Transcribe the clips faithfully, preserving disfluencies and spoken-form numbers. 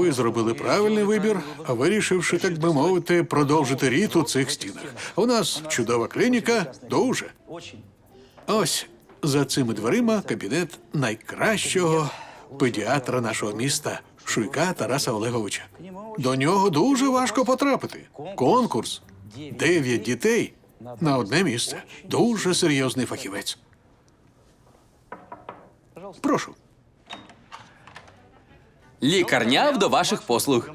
ви зробили правильний вибір, вирішивши, так би мовити, продовжити рід у цих стінах. У нас чудова клініка, дуже. Ось за цими дверима кабінет найкращого педіатра нашого міста Шуйка Тараса Олеговича. До нього дуже важко потрапити. Конкурс. Дев'ять дітей на одне місце. Дуже серйозний фахівець. Прошу. Лікарня до ваших послуг.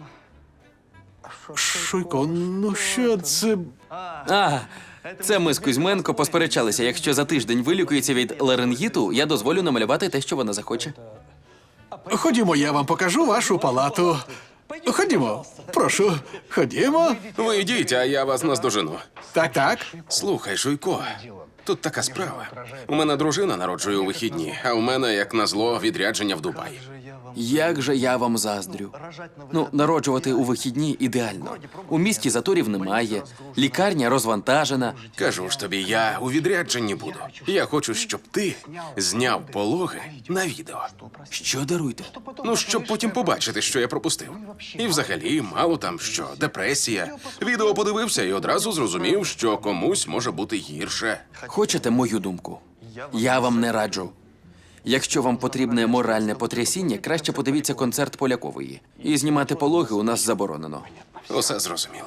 Шуйко, ну що це? А, це ми з Кузьменко посперечалися. Якщо за тиждень вилікується від ларингіту, я дозволю намалювати те, що вона захоче. Ходімо, я вам покажу вашу палату. Ходімо, прошу, ходімо. Ви йдіть, а я вас наздожену. Так, так. Слухай, Шуйко, тут така справа. У мене дружина народжує у вихідні, а у мене, як назло, відрядження в Дубай. Як же я вам заздрю. Ну, народжувати у вихідні ідеально. У місті заторів немає, лікарня розвантажена. Кажу ж тобі, я у відрядженні буду. Я хочу, щоб ти зняв пологи на відео. Що даруйте? Ну, щоб потім побачити, що я пропустив. І взагалі, мало там що, депресія. Відео подивився і одразу зрозумів, що комусь може бути гірше. Хочете мою думку? Я вам не раджу. Якщо вам потрібне моральне потрясіння, краще подивіться концерт Полякової. І знімати пологи у нас заборонено. Усе зрозуміло.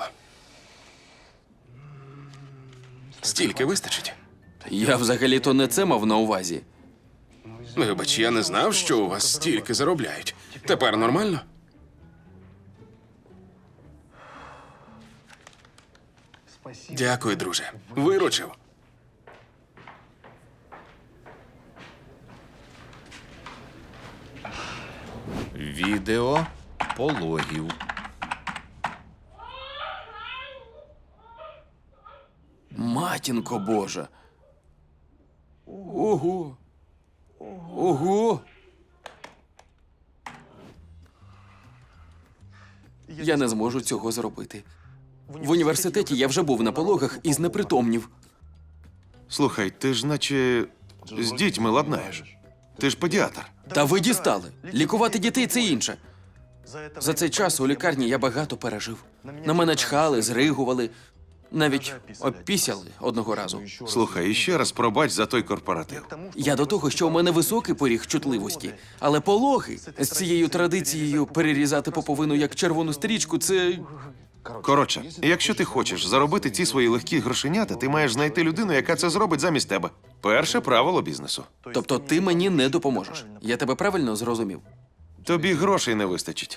Стільки вистачить? Я взагалі-то не це мав на увазі. Вибач, я не знав, що у вас стільки заробляють. Тепер нормально? Дякую, друже. Виручив. Відео пологів. Матінко Божа. Ого. Ого. Я не зможу цього зробити. В університеті я вже був на пологах і знепритомнів. Слухай, ти ж наче з дітьми ладнаєш. Ти ж педіатр. Та ви дістали. Лікувати дітей – це інше. За цей час у лікарні я багато пережив. На мене чхали, зригували, навіть обпісяли одного разу. Слухай, іще раз пробач за той корпоратив. Я до того, що у мене високий поріг чутливості, але пологи з цією традицією перерізати поповину як червону стрічку – це… Коротше, якщо ти хочеш заробити ці свої легкі грошенята, ти маєш знайти людину, яка це зробить замість тебе. Перше правило бізнесу. Тобто ти мені не допоможеш. Я тебе правильно зрозумів? Тобі грошей не вистачить.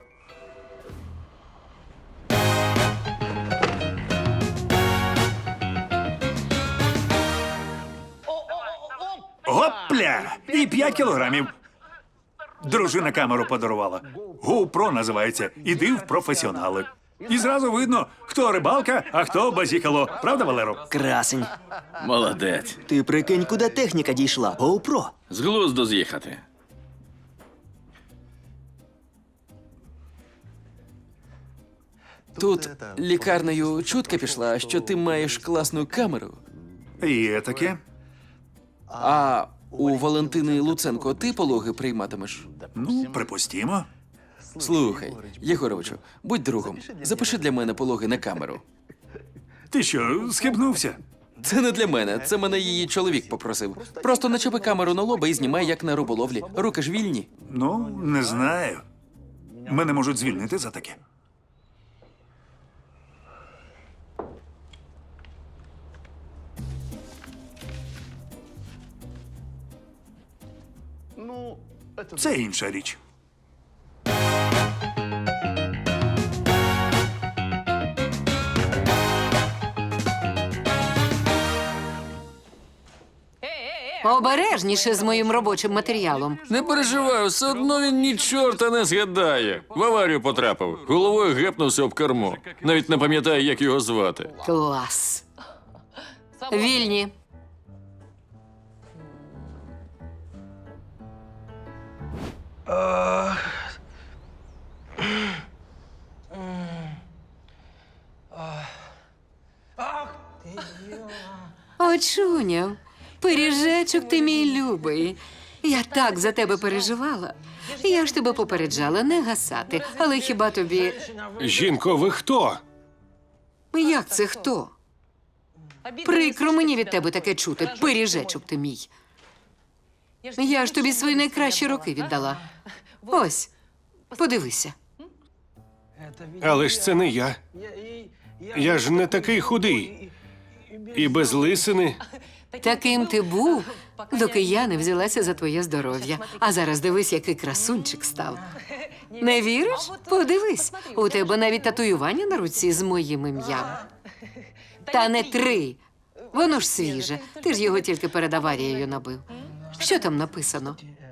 Гопля! І п'ять кілограмів. Дружина камеру подарувала. GoPro називається. Іди в професіонали. І зразу видно, хто рибалка, а хто базікало. Правда, Валеро? Красень. Молодець. Ти прикинь, куди техніка дійшла. GoPro. З глузду з'їхати. Тут лікарнею чутка пішла, що ти маєш класну камеру. Є таке. А у Валентини Луценко ти пологи прийматимеш? Ну, припустімо. Слухай, Єгоровичу, будь другом. Запиши для мене пологи на камеру. Ти що, схибнувся? Це не для мене, це мене її чоловік попросив. Просто начепи камеру на лоба і знімай, як на риболовлі. Руки ж вільні. Ну, не знаю. Мене можуть звільнити за таке. Це інша річ. Обережніше з моїм робочим матеріалом. Не переживай, все одно він ні чорта не згадає. В аварію потрапив, головою гепнувся об кермо. Навіть не пам'ятає, як його звати. Клас. Вільні. Очуняв, пиріжечок ти мій любий. Я так за тебе переживала. Я ж тебе попереджала не гасати. Але хіба тобі. Жінко, ви хто? Як це хто? Прикро мені від тебе таке чути, пиріжечок ти мій. Я ж тобі свої найкращі роки віддала. Ось, подивися. Але ж це не я. Я ж не такий худий. І без лисини. Таким ти був, доки я не взялася за твоє здоров'я. А зараз дивись, який красунчик став. Не віриш? Подивись, у тебе навіть татуювання на руці з моїм ім'ям. Та не три. Воно ж свіже. Ти ж його тільки перед аварією набив. Що там написано?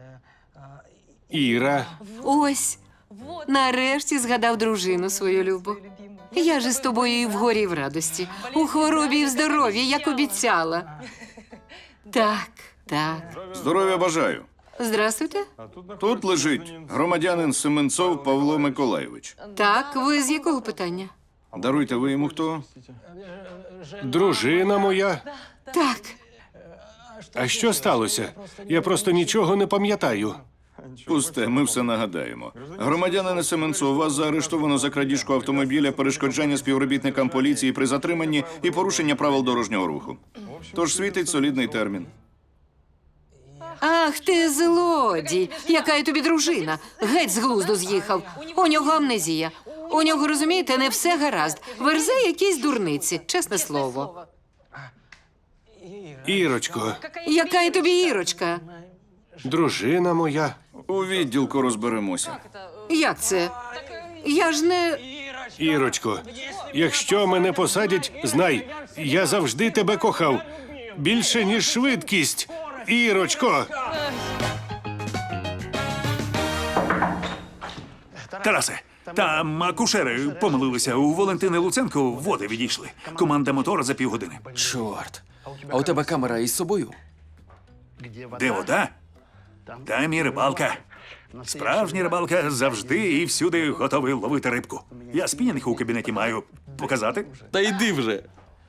Іра. Ось, нарешті згадав дружину свою любу. Я ж із тобою і в горі, і в радості, у хворобі і в здоров'ї, як обіцяла. Так, так. Здоров'я бажаю. Здрастуйте. Тут лежить громадянин Семенцов Павло Миколайович. Так, ви з якого питання? Даруйте, ви йому хто? Дружина моя. Так, А що сталося? Я просто нічого не пам'ятаю. Пусте, ми все нагадаємо. Громадянина Семенцов, вас заарештовано за крадіжку автомобіля, перешкоджання співробітникам поліції при затриманні і порушення правил дорожнього руху. Тож світить солідний термін. ах ти злодій! Яка я тобі дружина? Геть з глузду з'їхав. У нього амнезія. У нього, розумієте, не все гаразд. Верзе якісь дурниці, чесне слово. Ірочко, Яка я тобі Ірочка? дружина моя. У відділку розберемося. Як це? Я ж не... Ірочко, якщо мене посадять, знай, я завжди тебе кохав. Більше, ніж швидкість. Ірочко! Тарасе, там акушери помилилися. У Валентини Луценко води відійшли. Команда мотора за півгодини. Чорт. А у тебе камера із собою? Де вода? Там і рибалка. Справжня рибалка завжди і всюди готовий ловити рибку. Я спінінг у кабінеті маю. Показати? Та йди вже.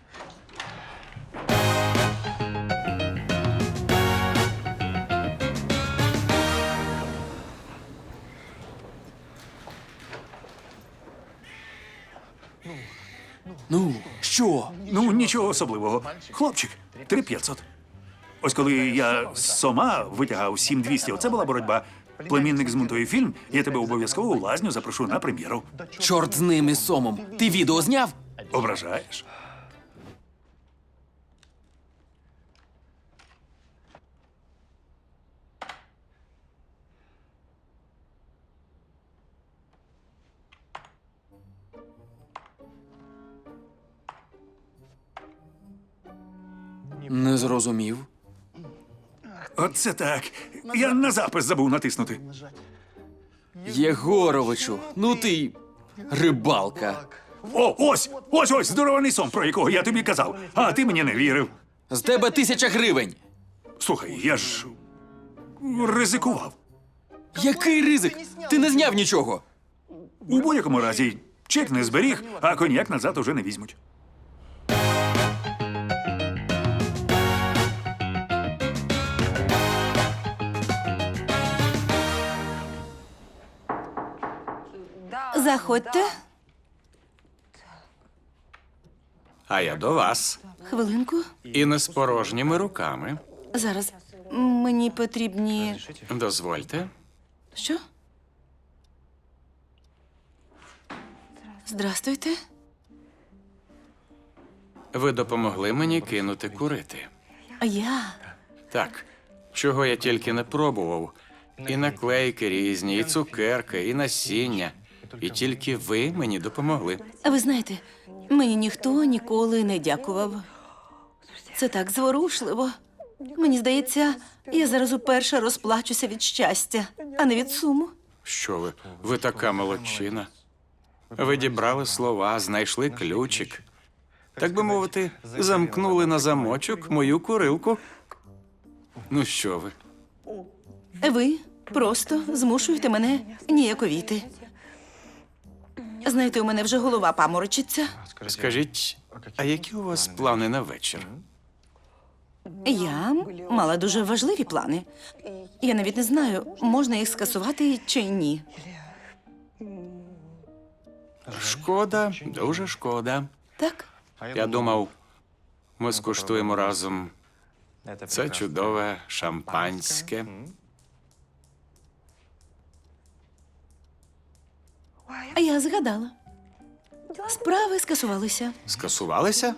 Ну, що? Ну, нічого особливого. Хлопчик, три п'ятсот. Ось коли я з Сома витягав сім двісті, оце була боротьба. Племінник змонтує фільм, я тебе обов'язково у лазню запрошу на прем'єру. Чорт з ним із Сомом. Ти відео зняв? Ображаєш? Не зрозумів. Оце так. Я на запис забув натиснути. Єгоровичу, ну ти й рибалка. О, ось! Ось ось здорований сон, про якого я тобі казав. А ти мені не вірив. З тебе тисяча гривень. Слухай, я ж ризикував. Який ризик? Ти не зняв нічого. У будь-якому разі, чек не зберіг, а коньяк назад уже не візьмуть. Заходьте. А я до вас. Хвилинку. І не з порожніми руками. Зараз. Мені потрібні. Дозвольте. Що? Здрастуйте. Ви допомогли мені кинути курити. А я. Так, чого я тільки не пробував. І наклейки різні, і цукерки, і насіння. І тільки ви мені допомогли. А ви знаєте, мені ніхто ніколи не дякував. Це так зворушливо. Мені здається, я зараз уперше розплачуся від щастя, а не від суму. Що ви? Ви така молодчина. Ви дібрали слова, знайшли ключик. Так би мовити, замкнули на замочок мою курилку. Ну що ви? Ви просто змушуєте мене ніяковіти. Знаєте, у мене вже голова паморочиться. Скажіть, а які у вас плани на вечір? Я мала дуже важливі плани. Я навіть не знаю, можна їх скасувати чи ні. Шкода, дуже шкода. Так? Я думав, ми скуштуємо разом це чудове шампанське. А я згадала. Справи скасувалися. Скасувалися?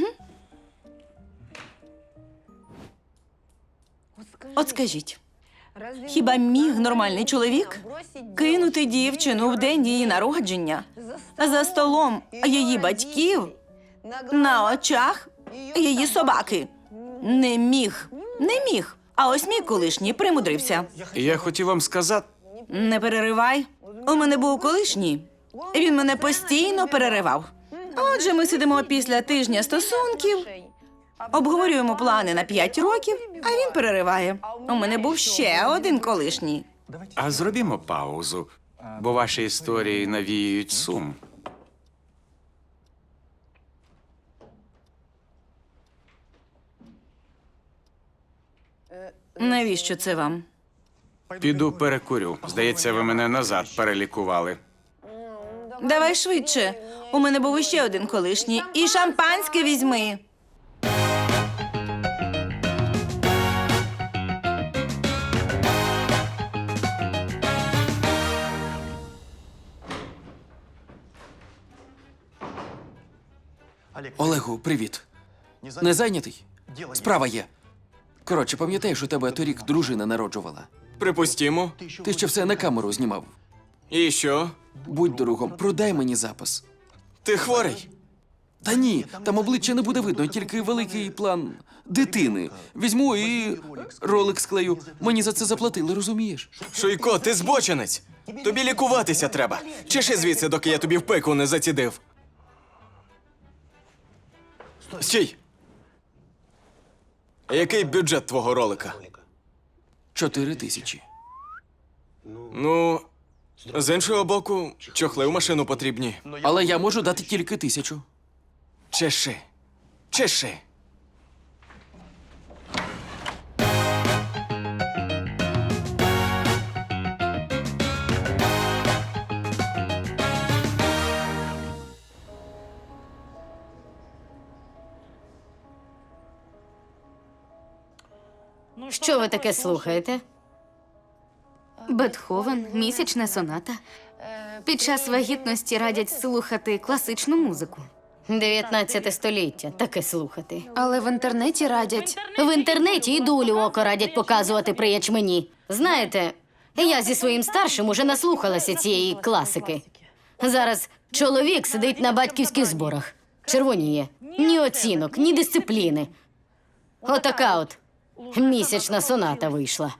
От скажіть, хіба міг нормальний чоловік кинути дівчину в день її народження за столом її батьків на очах її собаки? Не міг, не міг. А ось мій колишній примудрився. Я хотів вам сказати, Не переривай. У мене був колишній. Він мене постійно переривав. Отже, ми сидимо після тижня стосунків, обговорюємо плани на п'ять років, а він перериває. У мене був ще один колишній. а зробімо паузу, бо ваші історії навіюють сум. Навіщо це вам? Піду перекурю. Здається, ви мене назад перелікували. Давай швидше. У мене був іще один колишній. І шампанське візьми. Олегу, привіт. Не зайнятий? Справа є. Коротше, пам'ятаєш, у тебе торік дружина народжувала. Припустімо. Ти ще все на камеру знімав. І що? Будь другом, продай мені запис. Ти хворий? Та ні, там обличчя не буде видно, тільки великий план дитини. Візьму і ролик склею. Мені за це заплатили, розумієш? Шуйко, ти збочинець. Тобі лікуватися треба. Чеши звідси, доки я тобі в пику не зацідив. Стій! Який бюджет твого ролика? Чотири тисячі. Ну, з іншого боку, чохли в машину потрібні. Але я можу дати тільки тисячу. Чеши. Чеши. Що ви таке слухаєте? Бетховен, місячна соната. Під час вагітності радять слухати класичну музику. дев'ятнадцяте століття, таке слухати. Але в інтернеті радять. В інтернеті і дулю око радять показувати при ячмені. Знаєте, я зі своїм старшим уже наслухалася цієї класики. Зараз чоловік сидить на батьківських зборах. Червоніє. Ні оцінок, ні дисципліни. Отака от місячна соната вийшла.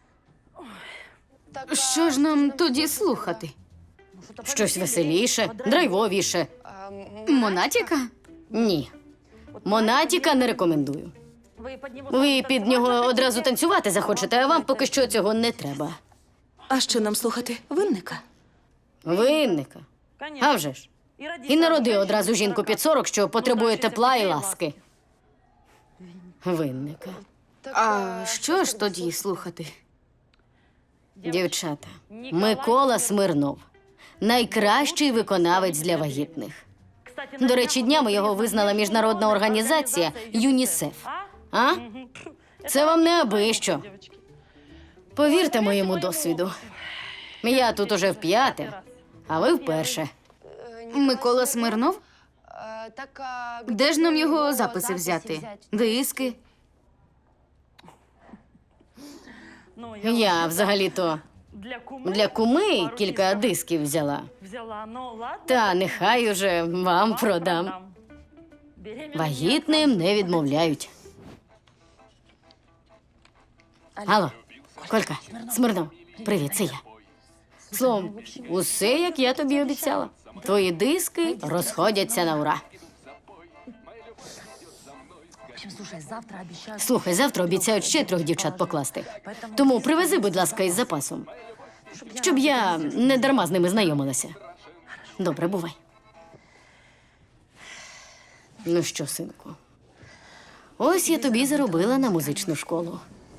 Що ж нам тоді слухати? Щось веселіше, драйвовіше. Монатіка? Ні. Монатіка не рекомендую. Ви під нього одразу танцювати захочете, а вам поки що цього не треба. А що нам слухати? Винника? Винника. А вже ж. І народи одразу жінку під сорок, що потребує тепла і ласки. Винника. А що ж тоді слухати? Дівчата, Микола Смирнов. Найкращий виконавець для вагітних. До речі, днями його визнала міжнародна організація ЮНІСЕФ. А? Це вам не аби що. Повірте моєму досвіду. Я тут уже вп'яте, а ви вперше. Микола Смирнов? Де ж нам його записи взяти? Диски? Я взагалі-то для куми кілька дисків взяла. Та нехай уже вам продам. Вагітним не відмовляють. Алло, Колька, Смирнов, привіт, це я. Словом, усе, як я тобі обіцяла. Твої диски розходяться на ура. Слухай, завтра обіцяють ще трьох дівчат покласти. Тому привези, будь ласка, із запасом. Щоб я не дарма з ними знайомилася. Добре, бувай. Ну що, синку, Ось я тобі заробила на музичну школу.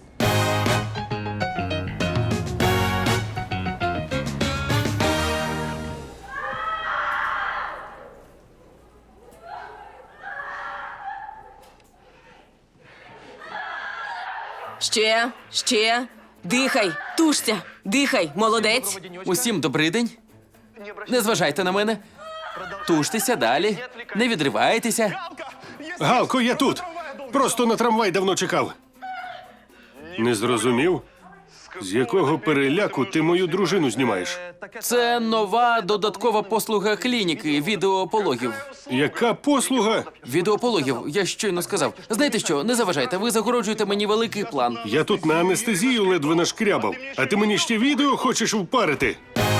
Ще, ще. Дихай, тушся, дихай, молодець. Усім добрий день. Не зважайте на мене. Туштеся далі. Не відривайтеся. Галко, я тут. Просто на трамвай давно чекав. Не зрозумів? З якого переляку ти мою дружину знімаєш? Це нова додаткова послуга клініки відеопологів. Яка послуга? Відеопологів, я щойно сказав. Знаєте що, не заважайте, ви загороджуєте мені великий план. Я тут на анестезію ледве нашкрябав, а ти мені ще відео хочеш впарити?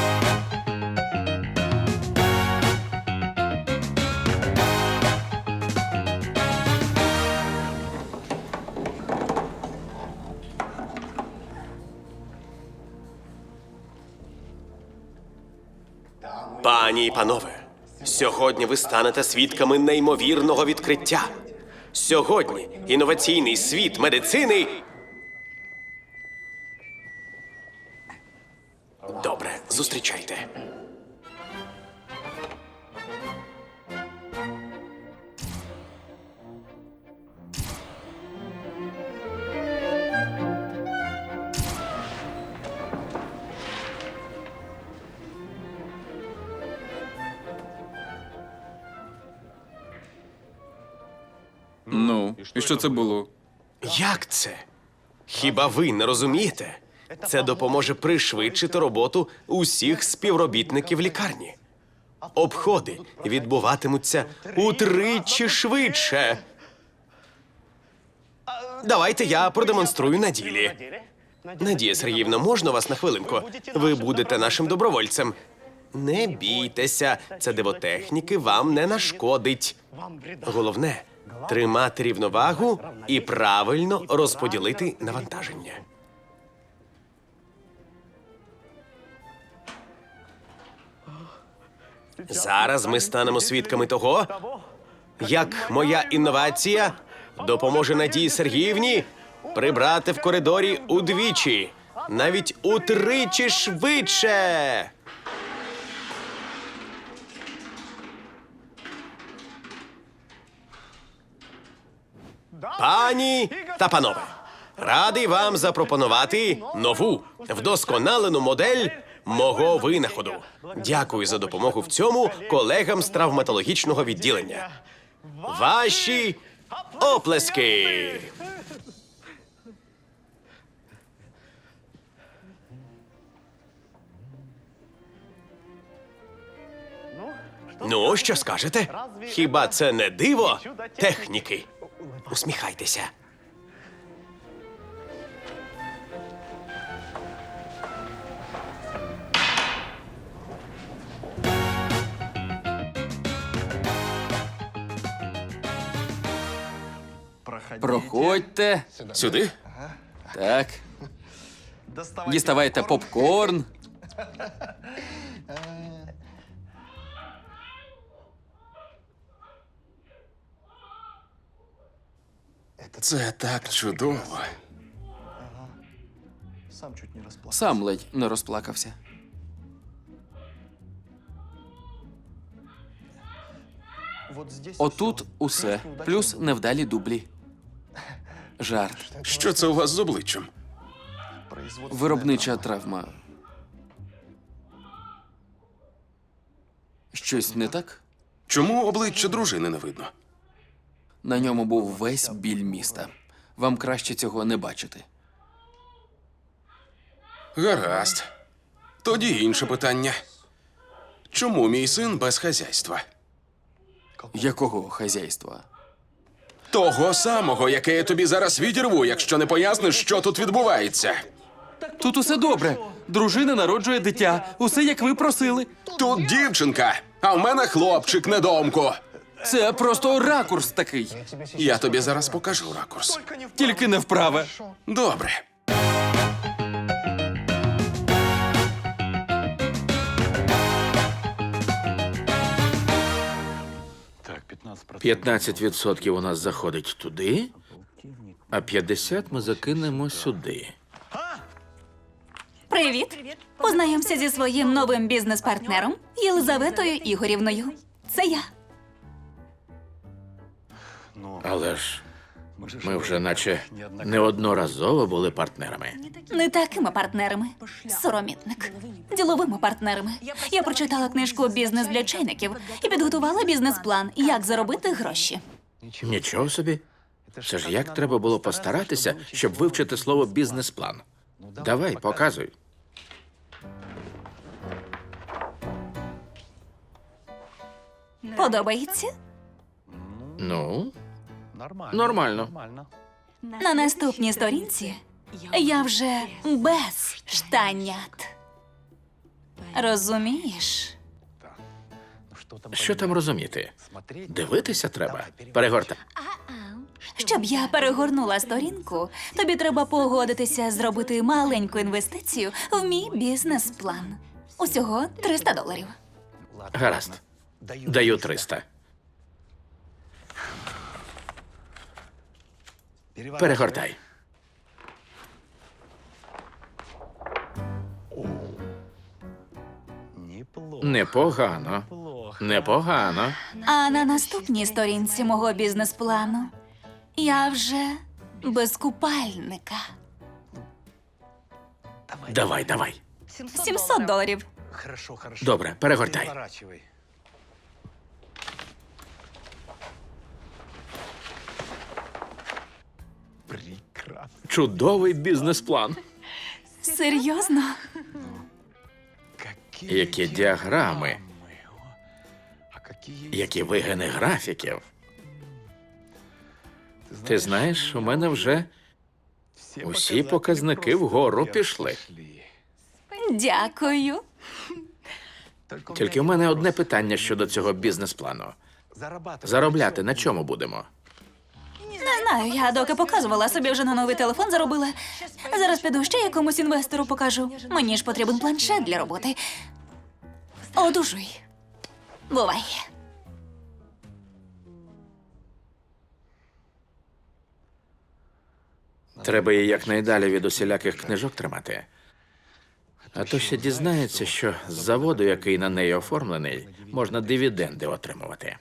Пані і панове, сьогодні ви станете свідками неймовірного відкриття. Сьогодні інноваційний світ медицини. Добре, зустрічайте. Ну, і що це було? Як це? Хіба ви не розумієте? Це допоможе пришвидшити роботу усіх співробітників лікарні. Обходи відбуватимуться утричі швидше. Давайте я продемонструю на ділі. Надія Сергіївна, можна вас на хвилинку? Ви будете нашим добровольцем. Не бійтеся, це дивотехніки вам не нашкодить. Головне – тримати рівновагу і правильно розподілити навантаження. Зараз ми станемо свідками того, як моя інновація допоможе Надії Сергіївні прибрати в коридорі удвічі, навіть утричі швидше. Пані та панове, радий вам запропонувати нову, вдосконалену модель мого винаходу. Дякую за допомогу в цьому колегам з травматологічного відділення. Ваші оплески! Ну, що скажете? Хіба це не диво техніки? Усміхайтеся. Проходьте. Сюди? Так. Діставайте попкорн. Це так чудово. Сам ледь не розплакався. Отут усе, плюс невдалі дублі. Жарт. Що це у вас з обличчям? Виробнича травма. Щось не так? Чому обличчя дружини не видно? На ньому був весь біль міста. Вам краще цього не бачити. Гаразд. Тоді інше питання. Чому мій син без хазяйства? Якого хазяйства? Того самого, яке я тобі зараз відірву, якщо не поясниш, що тут відбувається. Тут усе добре. Дружина народжує дитя. Усе, як ви просили. Тут дівчинка, а в мене хлопчик недоумку. Це просто ракурс такий. Я тобі зараз покажу ракурс. Тільки не вправе. Добре. п'ятнадцять відсотків у нас заходить туди, А п'ятдесят ми закинемо сюди. Привіт. Познайомся зі своїм новим бізнес-партнером Єлизаветою Ігорівною. Це я. Але ж ми вже наче неодноразово були партнерами. Не такими партнерами. Соромітник. Діловими партнерами. Я прочитала книжку «Бізнес для чайників» і підготувала бізнес-план, як заробити гроші. Нічого собі. Це ж як треба було постаратися, щоб вивчити слово бізнес-план. Давай, показуй. Подобається? Ну, нормально. На наступній сторінці я вже без штанят. Розумієш? Що там розуміти? Дивитися треба. Перегортай. Щоб я перегорнула сторінку, тобі треба погодитися зробити маленьку інвестицію в мій бізнес-план. Усього триста доларів. Гаразд. Даю триста. Перегортай. Непогано. Непогано. А на наступній сторінці мого бізнес-плану я вже без купальника. Давай, давай. сімсот доларів. Добре, перегортай. Чудовий бізнес-план. Серйозно? Які діаграми. Які вигини графіків. Ти знаєш, у мене вже усі показники вгору пішли. Дякую. Тільки в мене одне питання щодо цього бізнес-плану. Заробляти на чому будемо? Не знаю, я доки показувала, собі вже на новий телефон заробила. Зараз піду ще якомусь інвестору покажу. Мені ж потрібен планшет для роботи. Одужуй. Бувай. Треба її якнайдалі від усіляких книжок тримати. А то ще дізнається, що з заводу, який на неї оформлений, можна дивіденди отримувати.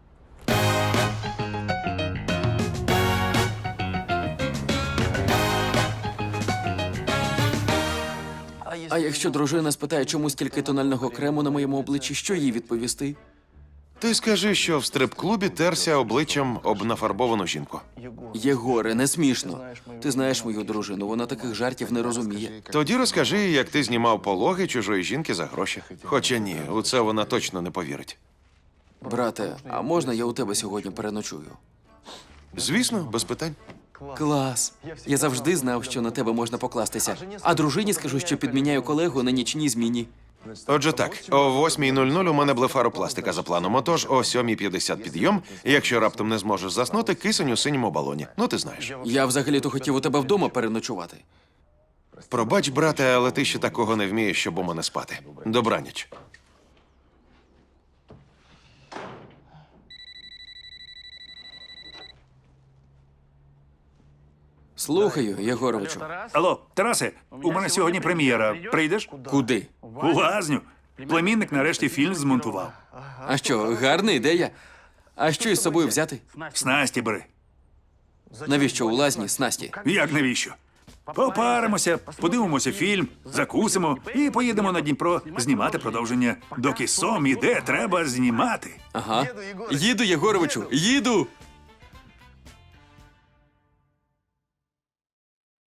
А якщо дружина спитає, чому стільки тонального крему на моєму обличчі, що їй відповісти? Ти скажи, що в стрип-клубі терся обличчям об нафарбовану жінку. Єгоре, не смішно. Ти знаєш мою дружину, вона таких жартів не розуміє. Тоді розкажи, як ти знімав пологи чужої жінки за гроші. Хоча ні, у це вона точно не повірить. Брате, а можна я у тебе сьогодні переночую? Звісно, без питань. Клас. Я завжди знав, що на тебе можна покластися. А дружині скажу, що підміняю колегу на нічній зміні. Отже так, о восьмій нуль нуль у мене блефаропластика за планом, отож о сьомій п'ятдесят підйом, і якщо раптом не зможеш заснути, кисень у синьому балоні. Ну, ти знаєш. Я взагалі-то хотів у тебе вдома переночувати. Пробач, брате, але ти ще такого не вмієш, щоб у мене спати. Добраніч. Слухаю, Єгоровичу. Алло, Тарасе, у мене сьогодні прем'єра. Прийдеш? Куди? У лазню. Племінник нарешті фільм змонтував. А що, гарна ідея? А що із собою взяти? Снасті бери. Навіщо у лазні снасті? Як навіщо? Попаримося, подивимося фільм, закусимо і поїдемо на Дніпро знімати продовження. Доки сом іде, треба знімати. Ага. Їду, Єгоровичу, їду!